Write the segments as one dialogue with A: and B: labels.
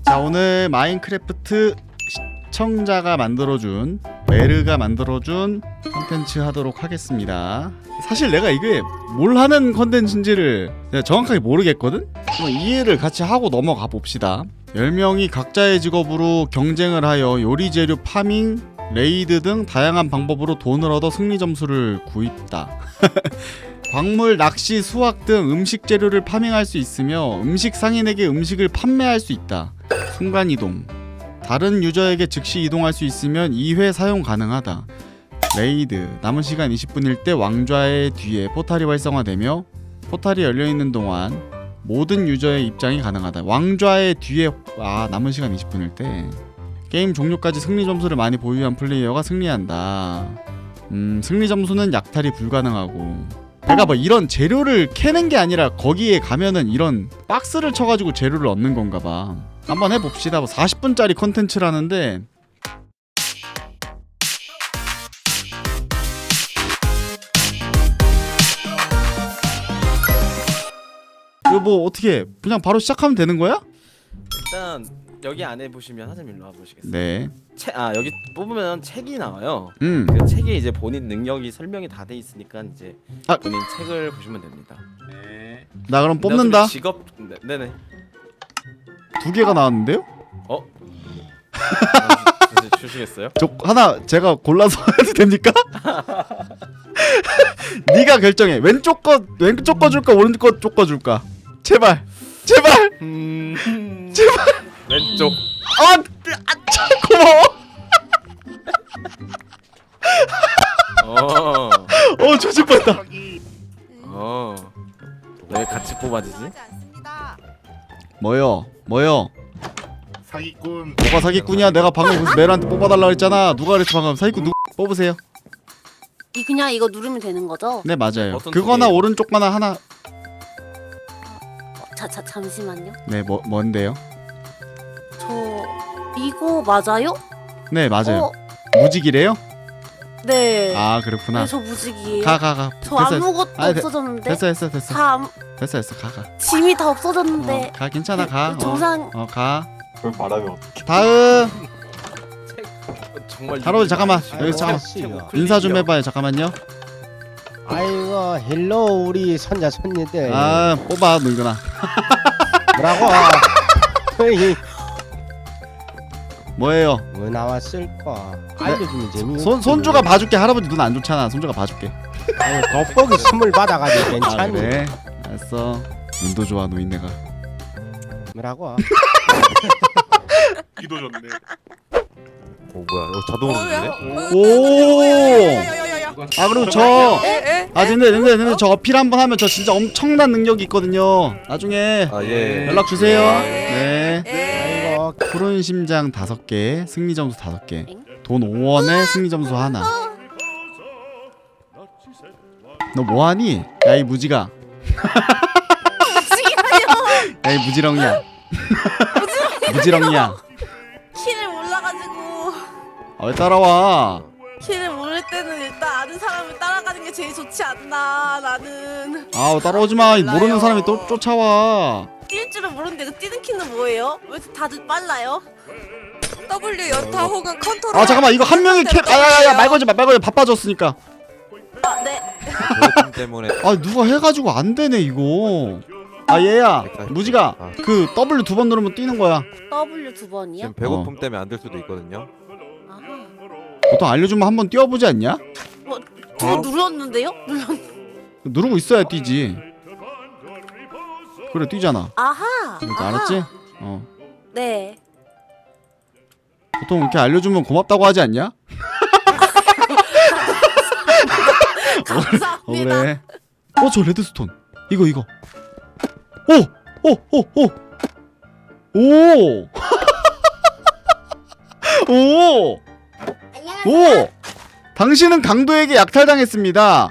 A: 자, 오늘 마인크래프트 시청자가 만들어준, 메르가 만들어준 컨텐츠 하도록 하겠습니다. 사실 내가 이게 뭘 하는 컨텐츠인지를 내가 정확하게 모르겠거든? 그럼 이해를 같이 하고 넘어가 봅시다. 10명이 각자의 직업으로 경쟁을 하여 요리 재료 파밍, 레이드 등 다양한 방법으로 돈을 얻어 승리 점수를 구입다. 광물, 낚시, 수확 등 음식 재료를 파밍할 수 있으며 음식 상인에게 음식을 판매할 수 있다. 순간이동, 다른 유저에게 즉시 이동할 수 있으면 2회 사용 가능하다. 레이드, 남은 시간 20분일 때 왕좌의 뒤에 포탈이 활성화되며 포탈이 열려있는 동안 모든 유저의 입장이 가능하다. 왕좌의 뒤에 남은 시간 20분일 때 게임 종료까지 승리 점수를 많이 보유한 플레이어가 승리한다. 승리 점수는 약탈이 불가능하고, 내가 뭐 이런 재료를 캐는 게 아니라 거기에 가면은 이런 박스를 쳐가지고 재료를 얻는 건가 봐. 한번 해봅시다. 뭐 40분짜리 컨텐츠라는데 이거 뭐 어떻게 그냥 바로 시작하면 되는 거야?
B: 일단 여기 안에 보시면 사장님 일로 와보시겠어요?
A: 네.
B: 여기 뽑으면 책이 나와요.
A: 음.
B: 그 책에 이제 본인 능력이 설명이 다 돼 있으니까 이제 본인 책을 보시면 됩니다. 네.
A: 나 그럼 뽑는다.
B: 직업 네네.
A: 2개가 나왔는데요?
B: 주시겠어요?
A: 저 하나 제가 골라서 해도 됩니까? 네가 결정해. 왼쪽 거 줄까 오른쪽 거 줄까? 제발. 제발. 제발.
B: 왼쪽.
A: 고마워. 조질 뻔했다.
B: 왜 같이 뽑아지지?
A: 뭐요?
C: 사기꾼.
A: 뭐가 사기꾼이야? 내가 방금 그래서 메르한테 뽑아달라고 했잖아. 누가 그랬어 방금? 사기꾼 누구? 뽑으세요.
D: 그냥 이거 누르면 되는 거죠?
A: 네 맞아요.
B: 어떤
A: 그거나
B: 쪽이에요?
A: 오른쪽 거나 하나.
D: 잠시만요.
A: 네 뭔데요?
D: 저 이거 맞아요?
A: 네 맞아요. 무직이래요?
D: 네.
A: 아 그렇구나.
D: 네, 저 무직이에요.
A: 가.
D: 저 아무것도 없어졌는데.
A: 됐어.
D: 가.
A: 가.
D: 짐이 다 없어졌는데.
A: 가 괜찮아 가.
D: 정상.
A: 가.
C: 그걸 말하면 어떡해.
A: 다음.
B: 정말
A: 할아버지 잠깐만.
E: 아이고,
A: 여기 잠깐
E: 아저씨요.
A: 인사 좀 해봐요. 잠깐만요.
E: 아이고 헬로 우리 손자 손녀들
A: 뽑아 늙은아.
E: 뭐라고 어이,
A: 뭐예요?
E: 뭐 나왔을까 알려주면 재미없지.
A: 손주가 봐줄게. 할아버지 눈 안 좋잖아. 손주가 봐줄게.
E: 아유, 돋보기 선물 받아가지고 괜찮니?
A: 그래. 알았어. 눈도 좋아 노인네가.
E: 뭐라고
C: 기도 좋네.
F: 뭐야? 자동으로 되네?
A: 오. 그리고 근데 저 어필 한번 하면 저 진짜 엄청난 능력이 있거든요. 나중에
F: 예.
A: 연락 주세요. 네.
E: 아이고
A: 푸른 심장 5개, 승리 점수 5개, 돈 5원에 승리 점수 하나. 너 뭐하니? 야 이 무지가. 야 이 무지렁이야. 무지렁이야.
D: 키를 몰라가지고.
A: 왜 따라와?
D: 키를 모를 때는 일단 아는 사람을 따라가는 게 제일 좋지 않나 나는.
A: 따라오지 마. 모르는 사람이 또 쫓아와.
D: 뛸 줄은 모르는데 그 뛰는 키는 뭐예요? 왜 이렇게 다들 빨라요?
G: W 연타 혹은 컨트롤.
A: 잠깐만 이거 한 명이 야야야 말 걸지 마. 바빠졌으니까.
D: 네.
F: 배고픔 때문에
A: 누가 해가지고 안 되네 이거. 얘야 무지가 그 W 2번 누르면 뛰는 거야.
D: W 2번이요?
F: 지금 배고픔 때문에 안 될 수도 있거든요.
D: 아하.
A: 보통 알려주면 한번 뛰어보지 않냐?
D: 저 눌렀는데요?
A: 누르고 있어야 뛰지. 그래 뛰잖아.
D: 아하.
A: 이렇게 알았지?
D: 네.
A: 보통 이렇게 알려주면 고맙다고 하지 않냐?
D: 감사합니다.
A: 그래. 저 레드스톤. 이거. 오. 당신은 강도에게 약탈당했습니다.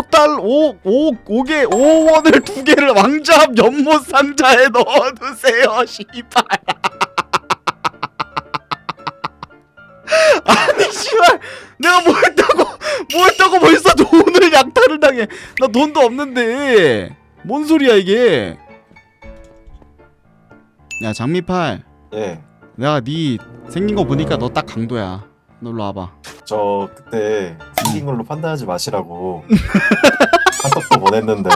A: 5원을 2개를 왕좌합 연못 상자에 넣어두세요. 씨발. 아니 씨발 내가 뭐 했다고 벌써 돈을 약탈을 당해. 나 돈도 없는데 뭔 소리야 이게. 야 장미팔
C: 예.
A: 내가 네 생긴 거 보니까 너 딱 강도야. 너 일로 와봐.
C: 저 그때 생긴 걸로 판단하지 마시라고 카톡도 보냈는데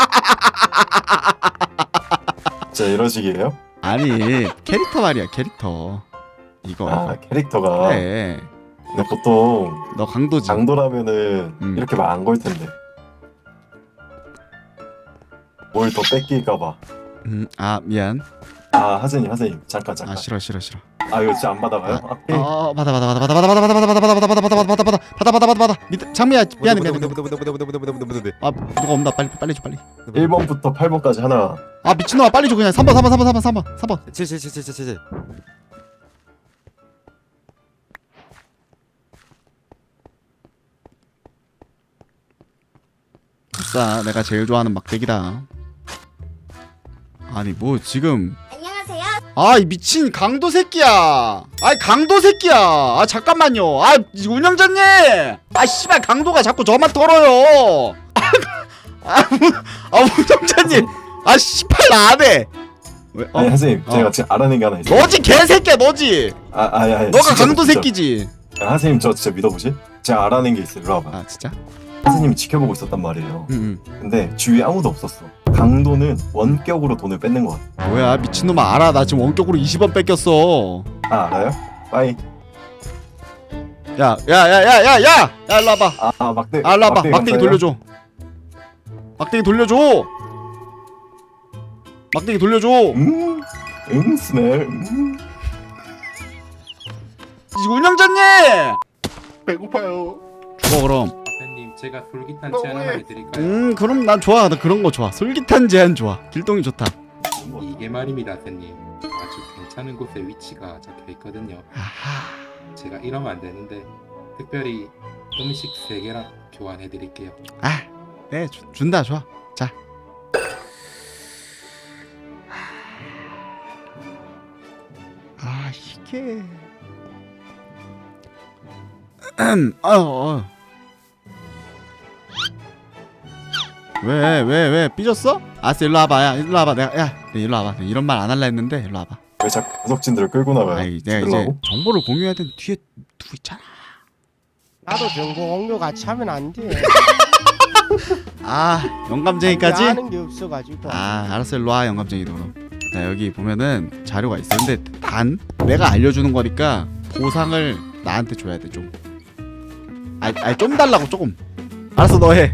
C: 진짜 이런 식이에요?
A: 아니 캐릭터 말이야 캐릭터. 이거.
C: 아 캐릭터가.
A: 그래.
C: 근데 보통
A: 너 강도지.
C: 강도라면은 이렇게 말 안 걸 텐데. 뭘 더 뺏길까봐.
A: 아 미안.
C: 아 하진님 잠깐.
A: 아 싫어.
C: 아 이거 진짜 안 받아가요?
A: 받아. 밑에 장미야 미안해. 아 누가 없나 빨리 줘 빨리.
C: 1번부터 8번까지 하나.
A: 아 미친놈아 빨리 줘 그냥 3번.
F: 7.
A: 아싸 내가 제일 좋아하는 막대기다. 아니 뭐 지금
H: 안녕하세요.
A: 아 이 미친 강도 새끼야. 아이 강도 새끼야. 아 잠깐만요. 아 운영자님. 아 씨발 강도가 자꾸 저만 털어요. 운영자님. 아 씨발 나 안 해. 왜?
C: 아니 하진님 제가 지금 알아낸 게 하나 있어요.
A: 너지 개새끼야 너지.
C: 아니
A: 너가
C: 진짜,
A: 강도
C: 진짜.
A: 새끼지.
C: 하진님 저 진짜 믿어보실? 제가 알아낸 게 있어요. 일로 와봐.
A: 아 진짜?
C: 하진님이 지켜보고 있었단 말이에요.
A: 응.
C: 근데 주위에 아무도 없었어. 강도는 원격으로 돈을 뺏는 것 같아.
A: 뭐야 미친놈아 알아. 나 지금 원격으로 20원 뺏겼어.
C: 아 알아요? 빠이.
A: 야 일로 와봐.
C: 아 막대.
A: 아 일로 와봐. 막대기
C: 감사해요.
A: 돌려줘. 막대기 돌려줘.
C: 스멜.
A: 운영자님.
I: 배고파요.
A: 죽어 그럼.
I: 선생님 제가 솔깃한 제안 하나 해드릴까요?
A: 그럼 난 좋아. 나 그런 거 좋아. 솔깃한 제안 좋아. 길동이 좋다.
I: 이게 말입니다, 선생님. 아주 괜찮은 곳에 위치가 적혀 있거든요.
A: 아하.
I: 제가 이러면 안 되는데 특별히 음식 3개랑 교환해드릴게요.
A: 아, 네 준다 좋아. 자. 아 이게. 왜 삐졌어? 알았어 일로 와봐. 야 일로 와봐. 내가 일로 와봐. 이런 말 안 할라 했는데 일로 와봐.
C: 왜 자꾸 구석진들을 끌고 나가요?
A: 아이 내가 이제
C: 끌라고?
A: 정보를 공유해야 되는 뒤에 누구 있잖아.
E: 나도 정보 공유 같이 하면 안 돼.
A: 아 영감쟁이까지?
E: 아는 게 없어가지고.
A: 아 알았어 일로 와 영감쟁이도 그럼. 자 여기 보면은 자료가 있어. 근데 단 내가 알려주는 거니까 보상을 나한테 줘야 돼 좀. 아니 좀 달라고 조금. 알았어 너 해.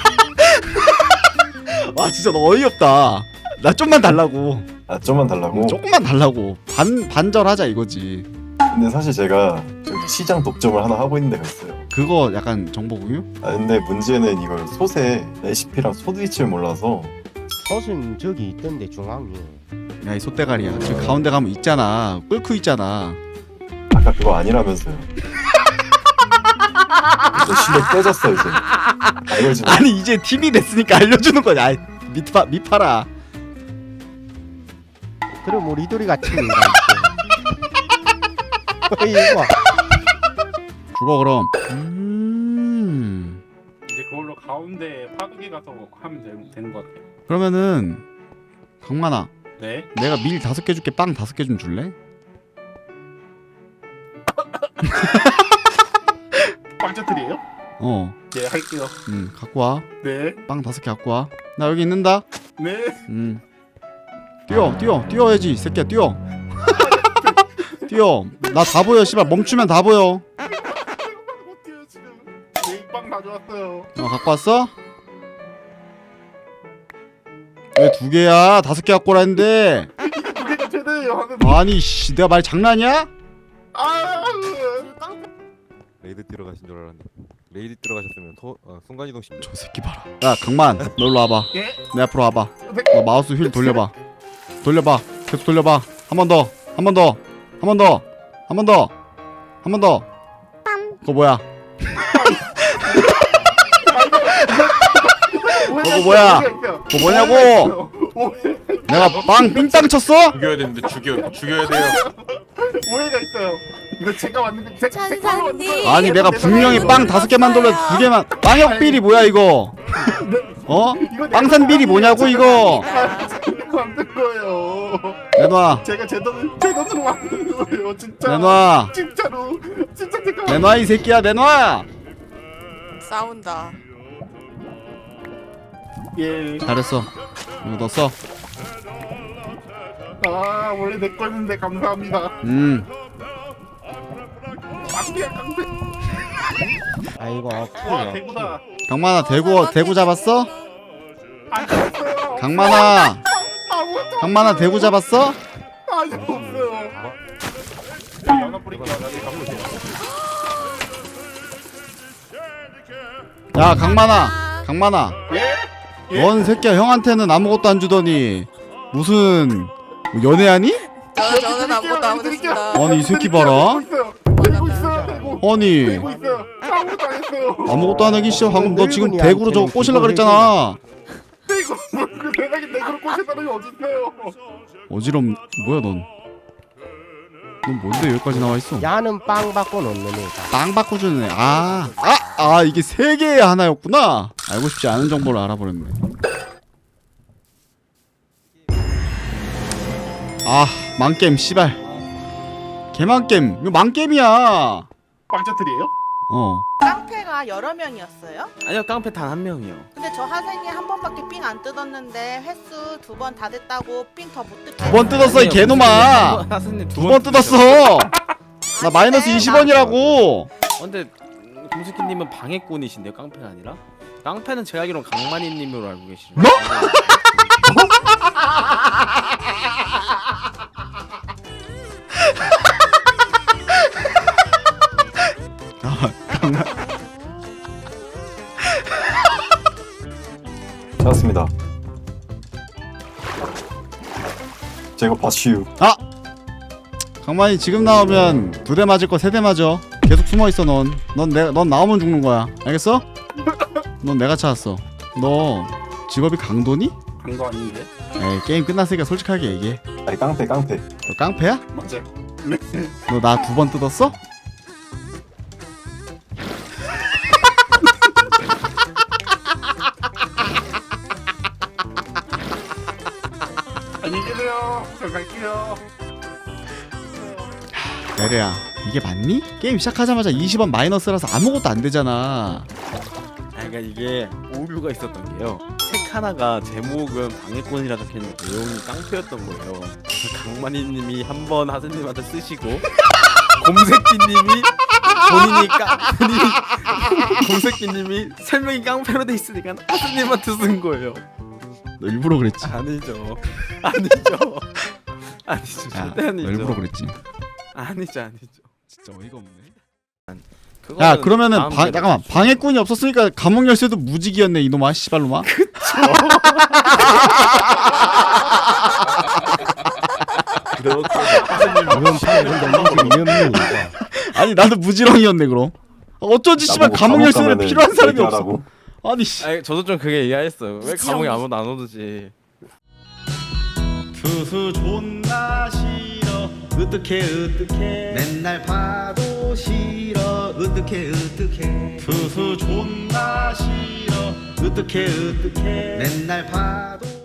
A: 와 진짜 너 어이없다. 나 좀만 달라고.
C: 아 좀만 달라고?
A: 조금만 달라고. 반절하자 이거지.
C: 근데 사실 제가 저기 시장 독점을 하나 하고 있는 데가 있어요.
A: 그거 약간 정보 공유?
C: 아 근데 문제는 이걸 솥의 레시피랑 솥 위치를 몰라서.
E: 솥은 저기 있던데 중앙에.
A: 야 이 솥대가리야. 지금 가운데 가면 있잖아. 끓고 있잖아.
C: 아까 그거 아니라면서요. 이제 실력 깨졌어 이제. 알려지 마.
A: 아니 이제 팀이 됐으니까 알려주는 거냐. 아이, 미파라.
E: 그럼 우리 리돌이가 팀인가 이거.
A: 죽어 그럼.
I: 이제 그걸로 가운데 파두개 가서 하면 되는 것 같아요.
A: 그러면은 강만아
I: 네?
A: 내가 밀 5개 줄게. 빵 5개 좀 줄래?
I: 빵자틀이에요?
A: 어.
I: 네, 할게요.
A: 갖고 와.
I: 네,
A: 빵 5개 갖고 와. 나 여기 있는다.
I: 네.
A: 뛰어야지 이 새끼야 뛰어. 뛰어. 나 다 보여 씨발. 멈추면 다 보여.
I: 어때요 지금? 네, 빵 가져왔어요.
A: 갖고 왔어? 왜 2개야? 5개 갖고 오라 했는데.
I: 두 개가 최대예요 하는.
A: 아니 씨 내가 말 장난이야?
I: 아,
F: 레이드 뛰러 가신 줄 알았는데. 레이드 뛰러 가셨으면 순간이동 쉽죠.
A: 저 새끼 봐라. 야 강만 너 일로 와봐.
I: 예?
A: 내 앞으로 와봐. 너 마우스 휠 돌려봐. 계속 돌려봐. 한 번 더. 그거 뭐야? 그거 뭐야? 그거 뭐냐고? 내가 빵 삥땅 쳤어?
I: 죽여야 되는데 죽여야 돼요. 오해가 있어요. 이거 제가 왔는데
G: 천사님.
A: 아니 내가 분명히 빵 5개 만들어 2개만. 빵역 비리 뭐야 이거? 어? 빵산 비리 뭐냐고 이거?
I: 만든 거예요.
A: 내놔.
C: 제가 제 돈으로 만든 거예요 진짜.
A: 내놔.
C: 진짜로 진짜 제가.
A: 내놔 이 새끼야 내놔.
G: 싸운다.
C: 예.
A: 잘했어. 이거 너 써.
C: 아 원래 내 거였는데 감사합니다. 깡패야 깡패.
E: 아이고
C: 와
E: 어프네.
C: 대구다.
A: 강만아 대구 잡았어?
C: 안 잡았어요.
A: 강만아
C: 아무것도
A: 강만아 대구 잡았어?
C: 아니 없어요. 연어 뿌릴게요. 나중에 가보세요.
A: 야 강만아
C: 예?
A: 넌 새끼야 형한테는 아무것도 안 주더니 무슨 뭐 연애하니?
G: 저는 아무것도 안 했습니다.
A: 아니 이 새끼 봐라.
C: 대고 있어요. 대고.
A: 아니
C: 대고 있어요. 아무것도 안 했어요.
A: 아무것도 안 하기 싫어. 방금 너 지금
E: 늙은이한테는
A: 대구로 저거 꼬실라 그랬잖아.
C: 대고 그 대가리 대구를 꽂혔다는 게 어딨어요?
A: 어지럼 뭐야 넌? 넌 뭔데 여기까지 나와 있어?
E: 야는 빵 받고 놓는 애다.
A: 땅 바꿔주는 애. 아 이게 세 개의 하나였구나. 알고 싶지 않은 정보를 알아버렸네. 아 망게임 씨발. 개망게임. 이거 망게임이야.
C: 빵자틀이에요?
D: 깡패가 여러 명이었어요?
B: 아니요 깡패 단 한 명이요.
D: 근데 저 하생이 한 번밖에 삥 안 뜯었는데 횟수 2번 다 됐다고 삥 더 못 뜯게.
A: 두 번 뜯었어 이 개놈아. 두 번 뜯었어. 나 마이너스 20원이라고.
B: 근데 금수키님은 방해꾼이신데요 깡패가 아니라? 깡패는 제가 알기로는 강만희님으로 알고 계시죠.
A: 뭐?
C: 찾았습니다. 제가 봤슈.
A: 강만이 지금 나오면 2대 맞을 거 3대 맞아. 계속 숨어 있어 넌. 넌 나오면 죽는 거야. 알겠어? 넌 내가 찾았어. 너 직업이 강도니?
C: 강도 아닌데?
A: 에이 게임 끝났으니까 솔직하게 얘기해.
C: 아니 깡패.
A: 너 깡패야?
C: 맞아요.
A: 너 나 2번 뜯었어?
C: 안녕히 계세요. 저 갈게요.
A: 내래야 이게 맞니? 게임 시작하자마자 20원 마이너스라서 아무것도 안 되잖아.
B: 그러니까 이게 오류가 있었던 게요. 책 하나가 제목은 방해꾼이라 적혀있는데 내용이 깡패였던 거예요. 그래서 강만희님이 한 번 하스님한테 쓰시고 곰새끼님이 본인이 곰새끼님이 설명이 깡패로 돼 있으니까 하스님한테 쓴 거예요.
A: 너 일부러 그랬지.
B: 아니죠.
A: 야,
B: 절대
A: 너
B: 아니죠.
A: 일부러 그랬지.
B: 아니죠.
A: 진짜 어이가 없네.
B: 그거는
A: 야 그러면은
B: 다음
A: 잠깐만 방해꾼이 없었으니까 감옥 열쇠도 무직이었네 이놈아 씨발놈아.
E: 이런 판은 너무 위험해.
A: 아니 나도 무지렁이었네 그럼. 어쩐지 씨발
C: 나보고
A: 감옥 열쇠는
C: 가면은
A: 필요한 사람이 없어.
C: 얘기하라고.
A: 아니 씨.
B: 아니, 저도 좀 그게 이해했어요. 왜 감옥에 아무도 안 오듯이.
A: 투수 존나 싫어 어떡해 맨날 봐도 싫어 어떡해 투수 존나 싫어 어떡해 맨날 봐도